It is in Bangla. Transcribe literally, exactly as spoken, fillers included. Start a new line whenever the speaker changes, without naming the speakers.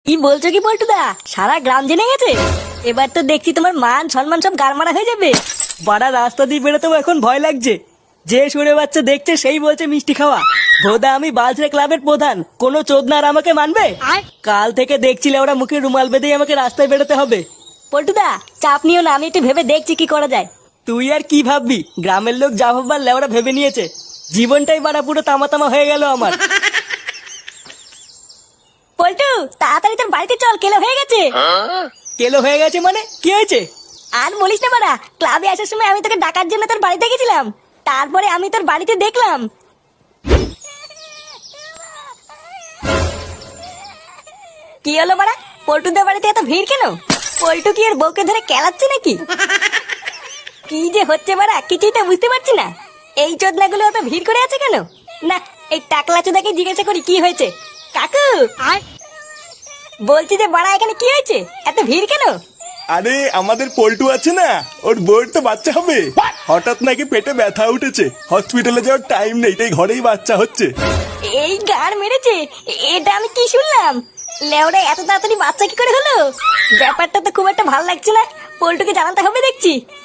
কি বলছো কি পল্টুদা? সারা গ্রাম জেনে গেছে? এবার তো দেখছি তোমার মান সম্মান সব গারমারা হয়ে যাবে।
বাড়া রাস্তা দিয়ে বেরোতেও এখন ভয় লাগছে। যে সুরে বাচ্চা দেখছে সেই বলছে মিষ্টি খাওয়া। ভোদা আমি বালছড়ে ক্লাবের প্রধান, কোনো চোদনা আর আমাকে মানবে? কাল থেকে দেখছিলে ওরা মুখে রুমাল বেঁধেই আমাকে রাস্তায় বেরোতে হবে।
পল্টুদা চাপ নিও না, আমি একটু ভেবে দেখছি কি করা যায়।
তুই আর কি ভাববি, গ্রামের লোক যা ভাববার লেওরা ভেবে নিয়েছে। জীবনটাই বাড়া পুরো তামা তামা হয়ে গেল আমার।
পল্টু তাড়াতাড়ি তোর বাড়িতে চল, কেলো হয়ে গেছে।
কেলো হয়ে গেছে মানে কি হয়েছে?
আর বলিস না বাড়া, ক্লাবে আসার সময় আমি তোকে ডাকার জন্য তোর বাড়িতে গেছিলাম। তারপরে আমি তোর বাড়িতে দেখলাম। কি হলো বাড়া, পল্টুদের বাড়িতে এত ভিড় কেন? পল্টু কি এর বউকে ধরে কেলাচ্ছে নাকি? কি যে হচ্ছে বাড়া, কিছুই তো বুঝতে পারছি না। এই চোদনাগুলো এত ভিড় করে আছে কেন? না, এই টাকলা চোদাকে জিজ্ঞাসা করি কি হয়েছে। কাকু বলছি যে বাড়া এখানে কি হয়েছে, এত ভিড় কেন?
আরে আমাদের পল্টু আছে না, ওর বউয়ের তো বাচ্চা হবে। হঠাৎ নাকি পেটে ব্যথা উঠেছে, হসপিটালে যাওয়ার টাইম নেই, তাই ঘরেই বাচ্চা হচ্ছে।
এই গান মেরেছে, এটা আমি কি শুনলাম? লেওরা এত তাড়াতাড়ি বাচ্চা কি করে হলো? ব্যাপারটা তো খুব একটা ভালো লাগছে না, পল্টুকে জানাতে হবে দেখছি।